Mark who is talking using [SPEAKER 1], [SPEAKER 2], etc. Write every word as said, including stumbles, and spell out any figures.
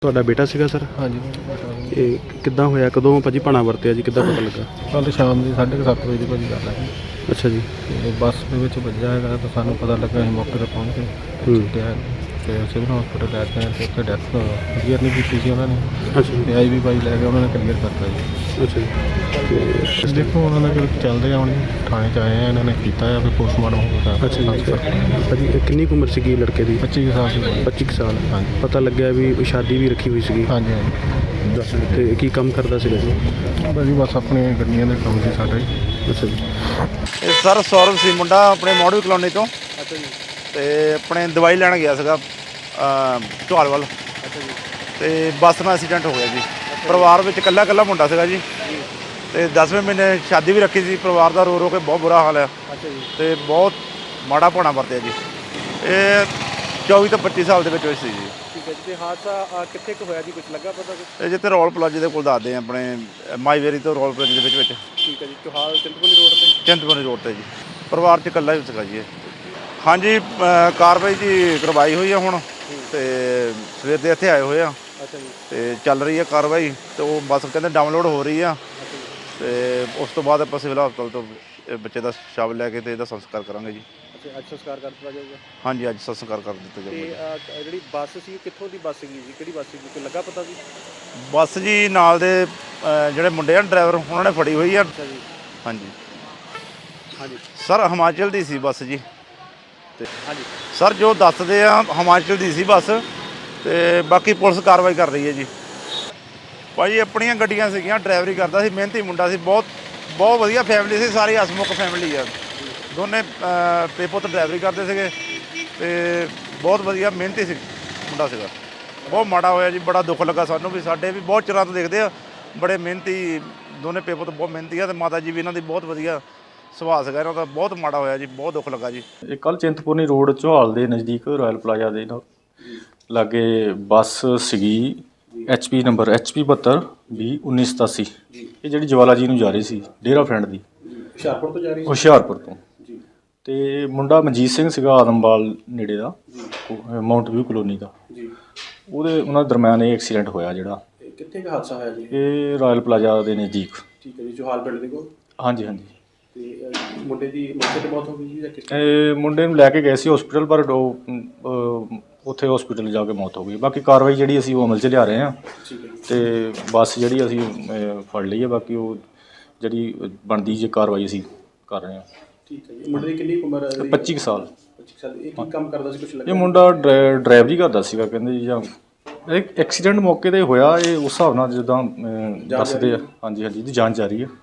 [SPEAKER 1] ਤੁਹਾਡਾ ਬੇਟਾ ਸੀਗਾ ਸਰ?
[SPEAKER 2] ਹਾਂਜੀ।
[SPEAKER 1] ਇਹ ਕਿੱਦਾਂ ਹੋਇਆ, ਕਦੋਂ ਭਾਜੀ ਭਾਣਾ ਵਰਤਿਆ ਜੀ, ਕਿੱਦਾਂ ਪਤਾ ਲੱਗਾ?
[SPEAKER 2] ਕੱਲ੍ਹ ਸ਼ਾਮ ਦੀ ਸਾਢੇ ਕੁ ਸੱਤ ਵਜੇ ਦੀ ਭਾਜੀ ਗੱਲ ਹੈ।
[SPEAKER 1] ਅੱਛਾ ਜੀ।
[SPEAKER 2] ਤੇ ਬੱਸ ਦੇ ਵਿੱਚ ਵੱਜਿਆ ਹੈਗਾ ਤਾਂ ਸਾਨੂੰ ਪਤਾ ਲੱਗਾ, ਅਸੀਂ ਮੌਕੇ 'ਤੇ ਪਹੁੰਚ ਕੇ ਚੁੱਕਿਆ ਅਤੇ ਸਿਵਲ ਹਸਪੀਟਲ ਲੈ ਕੇ ਆਏ ਤੇ ਉੱਥੇ ਡੈਥ ਕਲੀਅਰ ਨਹੀਂ ਕੀਤੀ ਸੀ ਉਹਨਾਂ ਨੇ।
[SPEAKER 1] ਅੱਛਾ ਜੀ।
[SPEAKER 2] ਤੇ ਆਈ ਵੀ ਬਾਈ ਲੈ ਕੇ ਉਹਨਾਂ ਨੇ ਕਲੀਅਰ ਕਰਤਾ ਜੀ।
[SPEAKER 1] ਅੱਛਾ ਜੀ।
[SPEAKER 2] ਤੇ ਦੇਖੋ ਉਹਨਾਂ ਦਾ ਚੱਲਦੇ ਆ, ਹੁਣ ਥਾਣੇ 'ਚ ਆਏ ਆ, ਇਹਨਾਂ ਨੇ ਕੀਤਾ ਆ ਵੀ ਪੋਸਟਮਾਰਟਮ ਹੋਊਗਾ।
[SPEAKER 1] ਅੱਛਾ ਜੀ। ਭਾਜੀ ਇਹ ਕਿੰਨੀ ਕੁ ਉਮਰ ਸੀਗੀ ਲੜਕੇ ਦੀ?
[SPEAKER 2] ਪੱਚੀ ਕੁ ਸਾਲ ਦੀ।
[SPEAKER 1] ਪੱਚੀ ਕੁ ਸਾਲ।
[SPEAKER 2] ਹਾਂਜੀ।
[SPEAKER 1] ਪਤਾ ਲੱਗਿਆ ਵੀ ਸ਼ਾਦੀ ਵੀ ਰੱਖੀ ਹੋਈ ਸੀਗੀ?
[SPEAKER 2] ਹਾਂਜੀ ਹਾਂਜੀ।
[SPEAKER 1] ਦੱਸ ਤੇ ਕੀ ਕੰਮ ਕਰਦਾ ਸੀਗਾ ਜੀ?
[SPEAKER 2] ਭਾਜੀ ਬਸ ਆਪਣੇ ਗੱਡੀਆਂ ਦੇ ਕੰਮ ਸੀ ਸਾਡੇ।
[SPEAKER 1] ਅੱਛਾ ਜੀ।
[SPEAKER 3] ਇਹ ਸਰ ਸੌਰਵ ਸੀ ਮੁੰਡਾ, ਆਪਣੇ ਮੋੜਵੀ ਕਲੋਨੀ ਤੋਂ।
[SPEAKER 1] ਅੱਛਾ ਜੀ।
[SPEAKER 3] ਅਤੇ ਆਪਣੇ ਦਵਾਈ ਲੈਣ ਗਿਆ ਸੀਗਾ ਢੋਲ ਵੱਲ।
[SPEAKER 1] ਅੱਛਾ ਜੀ।
[SPEAKER 3] ਅਤੇ ਬੱਸ ਨਾਲ ਐਕਸੀਡੈਂਟ ਹੋ ਗਿਆ ਜੀ। ਪਰਿਵਾਰ ਵਿੱਚ ਇਕੱਲਾ ਇਕੱਲਾ ਮੁੰਡਾ ਸੀਗਾ ਜੀ। ਅਤੇ ਦਸਵੇਂ ਮਹੀਨੇ ਸ਼ਾਦੀ ਵੀ ਰੱਖੀ ਸੀ। ਪਰਿਵਾਰ ਦਾ ਰੋ ਰੋ ਕੇ ਬਹੁਤ ਬੁਰਾ ਹਾਲ ਹੈ।
[SPEAKER 1] ਅੱਛਾ ਜੀ।
[SPEAKER 3] ਅਤੇ ਬਹੁਤ ਮਾੜਾ ਭਾਣਾ ਵਰਤਿਆ ਜੀ। ਇਹ ਚੌਵੀ ਤੋਂ ਪੱਚੀ ਸਾਲ ਦੇ ਵਿੱਚ ਹੋਈ ਸੀ ਜੀ।
[SPEAKER 1] ਠੀਕ ਹੈ ਜੀ। ਅਤੇ ਹਾਦਸਾ ਕਿੱਥੇ ਕੁ ਹੋਇਆ ਜੀ, ਕੁਛ ਲੱਗਾ ਪਤਾ ਕੁਛ?
[SPEAKER 3] ਇਹ ਜਿੱਥੇ ਰੋਲ ਪਲਾਜ਼ੇ ਦੇ ਕੋਲ ਦੱਸਦੇ ਆ, ਆਪਣੇ ਮਾਈਵੇਰੀ ਤੋਂ ਰੋਲ ਪਲਾਜ਼ੇ ਦੇ ਵਿੱਚ ਵਿੱਚ
[SPEAKER 1] ਠੀਕ ਹੈ ਜੀ। ਚੋਹਾਲ ਚਿੰਤਪੁਰਨੀ ਰੋਡ 'ਤੇ?
[SPEAKER 3] ਚਿੰਤਪੁਰਨੀ ਰੋਡ 'ਤੇ ਜੀ। ਪਰਿਵਾਰ 'ਚ ਇਕੱਲਾ ਹੀ ਸੀਗਾ ਜੀ ਇਹ। ਹਾਂਜੀ, ਕਾਰਵਾਈ ਜੀ ਕਰਵਾਈ ਹੋਈ ਆ ਹੁਣ, ਅਤੇ ਸਵੇਰ ਦੇ ਇੱਥੇ ਆਏ ਹੋਏ ਆ।
[SPEAKER 1] ਅੱਛਾ ਜੀ।
[SPEAKER 3] ਅਤੇ ਚੱਲ ਰਹੀ ਹੈ ਕਾਰਵਾਈ, ਅਤੇ ਉਹ ਬੱਸ ਕਹਿੰਦੇ ਡਾਊਨਲੋਡ ਹੋ ਰਹੀ ਆ। ਅਤੇ ਉਸ ਤੋਂ ਬਾਅਦ ਆਪਾਂ ਸਿਵਲ ਹਸਪਤਾਲ ਤੋਂ ਇਹ ਬੱਚੇ ਦਾ ਸ਼ਵ ਲੈ ਕੇ ਅਤੇ ਇਹਦਾ ਸੰਸਕਾਰ ਕਰਾਂਗੇ ਜੀ।
[SPEAKER 1] ਅੱਛਾ, ਅੱਜ ਸੰਸਕਾਰ ਕਰ ਦਿੱਤਾ ਜਾਊਗਾ?
[SPEAKER 3] ਹਾਂਜੀ, ਅੱਜ ਸੰਸਕਾਰ ਕਰ ਦਿੱਤਾ ਜਾਊਗਾ।
[SPEAKER 1] ਅਤੇ ਜਿਹੜੀ ਬੱਸ ਸੀ ਕਿੱਥੋਂ ਦੀ ਬੱਸ ਸੀਗੀ ਜੀ, ਕਿਹੜੀ ਬੱਸ ਸੀਗੀ, ਕੋਈ ਲੱਗਾ ਪਤਾ ਜੀ?
[SPEAKER 3] ਬੱਸ ਜੀ ਨਾਲ ਦੇ ਜਿਹੜੇ ਮੁੰਡੇ ਆ ਡਰਾਈਵਰ, ਉਹਨਾਂ ਨੇ ਫੜੀ ਹੋਈ ਆ।
[SPEAKER 1] ਅੱਛਾ ਜੀ।
[SPEAKER 3] ਹਾਂਜੀ
[SPEAKER 1] ਹਾਂਜੀ
[SPEAKER 3] ਸਰ, ਹਿਮਾਚਲ ਦੀ ਸੀ ਬੱਸ ਜੀ। ਅਤੇ
[SPEAKER 1] ਹਾਂਜੀ
[SPEAKER 3] ਸਰ ਜੋ ਦੱਸਦੇ ਆ ਹਿਮਾਚਲ ਦੀ ਸੀ ਬੱਸ, ਅਤੇ ਬਾਕੀ ਪੁਲਿਸ ਕਾਰਵਾਈ ਕਰ ਰਹੀ ਹੈ ਜੀ। ਭਾਜੀ ਆਪਣੀਆਂ ਗੱਡੀਆਂ ਸੀਗੀਆਂ, ਡਰਾਈਵਰੀ ਕਰਦਾ ਸੀ, ਮਿਹਨਤੀ ਮੁੰਡਾ ਸੀ, ਬਹੁਤ ਬਹੁਤ ਵਧੀਆ ਫੈਮਿਲੀ ਸੀ, ਸਾਰੀ ਹਸਮੁਖ ਫੈਮਿਲੀ ਆ। ਦੋਨੇ ਪੇ ਪੁੱਤ ਡਰਾਈਵਰੀ ਕਰਦੇ ਸੀਗੇ, ਅਤੇ ਬਹੁਤ ਵਧੀਆ ਮਿਹਨਤੀ ਸੀ ਮੁੰਡਾ ਸੀਗਾ। ਬਹੁਤ ਮਾੜਾ ਹੋਇਆ ਜੀ, ਬੜਾ ਦੁੱਖ ਲੱਗਾ ਸਾਨੂੰ ਵੀ। ਸਾਡੇ ਵੀ ਬਹੁਤ ਚਿਰਾਂ ਤੋਂ ਦੇਖਦੇ ਆ, ਬੜੇ ਮਿਹਨਤੀ ਦੋਨੇ ਪੇ ਪੁੱਤ, ਬਹੁਤ ਮਿਹਨਤੀ ਆ, ਅਤੇ ਮਾਤਾ ਜੀ ਵੀ ਇਹਨਾਂ ਦੀ ਬਹੁਤ ਵਧੀਆ ਸੁਭਾਅ ਸੀਗਾ ਇਹਨਾਂ ਦਾ। ਬਹੁਤ ਮਾੜਾ ਹੋਇਆ ਜੀ, ਬਹੁਤ ਦੁੱਖ ਲੱਗਾ ਜੀ।
[SPEAKER 4] ਇਹ ਕੱਲ੍ਹ ਚਿੰਤਪੁਰਨੀ ਰੋਡ ਚੌਹਾਲ ਦੇ ਨਜ਼ਦੀਕ ਰਾਇਲ ਪਲਾਜ਼ਾ ਦੇ ਲਾਗੇ ਬੱਸ ਸੀਗੀ, H P number H P ਬਹੱਤਰ ਵੀਹ ਉੱਨੀ ਸਤਾਸੀ। ਇਹ ਜਿਹੜੀ ਜਵਾਲਾ ਜੀ ਨੂੰ ਜਾ ਰਹੀ ਸੀ, ਡੇਰਾ ਫਰੈਂਡ ਦੀ,
[SPEAKER 1] ਹੁਸ਼ਿਆਰਪੁਰ ਤੋਂ ਜਾ ਰਹੀ ਸੀ?
[SPEAKER 4] ਹੁਸ਼ਿਆਰਪੁਰ ਤੋਂ। ਅਤੇ ਮੁੰਡਾ ਮਨਜੀਤ ਸਿੰਘ ਸੀਗਾ, ਆਦਮਵਾਲ ਨੇੜੇ ਦਾ, ਮਾਊਂਟ ਵਿਊ ਕਲੋਨੀ ਦਾ। ਉਹਦੇ ਉਹਨਾਂ ਦਰਮਿਆਨ ਇਹ ਐਕਸੀਡੈਂਟ ਹੋਇਆ ਜਿਹੜਾ।
[SPEAKER 1] ਕਿੱਥੇ ਕੁ ਹਾਦਸਾ ਹੋਇਆ ਜੀ?
[SPEAKER 4] ਇਹ ਰਾਇਲ ਪਲਾਜ਼ਾ ਦੇ ਨਜ਼ਦੀਕ।
[SPEAKER 1] ਠੀਕ ਹੈ ਜੀ। ਚੋਹਾਲ ਪਿੰਡ ਦੇ ਕੋਲ?
[SPEAKER 4] ਹਾਂਜੀ ਹਾਂਜੀ।
[SPEAKER 1] ਅਤੇ ਮੁੰਡੇ ਦੀ ਮੌਕੇ 'ਤੇ ਮੌਤ ਹੋ ਗਈ ਜੀ ਜਾਂ ਕਿਸ?
[SPEAKER 4] ਇਹ ਮੁੰਡੇ ਨੂੰ ਲੈ ਕੇ ਗਏ ਸੀ ਹਸਪੀਟਲ, ਪਰ ਉਹ ਉੱਥੇ ਹਸਪੀਟਲ ਜਾ ਕੇ ਮੌਤ ਹੋ ਗਈ। ਬਾਕੀ ਕਾਰਵਾਈ ਜਿਹੜੀ ਅਸੀਂ ਉਹ ਅਮਲ 'ਚ ਲਿਆ ਰਹੇ ਹਾਂ।
[SPEAKER 1] ਠੀਕ ਹੈ ਜੀ।
[SPEAKER 4] ਅਤੇ ਬੱਸ ਜਿਹੜੀ ਅਸੀਂ ਫੜ ਲਈ ਹੈ, ਬਾਕੀ ਉਹ ਜਿਹੜੀ ਬਣਦੀ ਜੇ ਕਾਰਵਾਈ ਅਸੀਂ ਕਰ ਰਹੇ ਹਾਂ।
[SPEAKER 1] ਠੀਕ ਹੈ ਜੀ। ਮੁੰਡੇ ਦੀ ਕਿੰਨੀ ਉਮਰ ਹੈ?
[SPEAKER 4] ਪੱਚੀ ਕੁ ਸਾਲ।
[SPEAKER 1] ਪੱਚੀ ਸਾਲ। ਇਹ ਕੀ ਕੰਮ ਕਰਦਾ ਸੀ, ਕੁਛ ਲੱਗਾ?
[SPEAKER 4] ਇਹ ਮੁੰਡਾ ਡਰਾ ਡਰਾਈਵਰੀ ਕਰਦਾ ਸੀਗਾ ਕਹਿੰਦੇ ਜੀ, ਜਾਂ ਇਹ ਐਕਸੀਡੈਂਟ ਮੌਕੇ 'ਤੇ ਹੋਇਆ। ਇਹ ਉਸ ਹਿਸਾਬ ਨਾਲ ਜਿੱਦਾਂ ਅਹ, ਦੱਸਦੇ ਆ। ਹਾਂਜੀ ਹਾਂਜੀ, ਇਹਦੀ ਜਾਂਚ ਜਾਰੀ ਹੈ।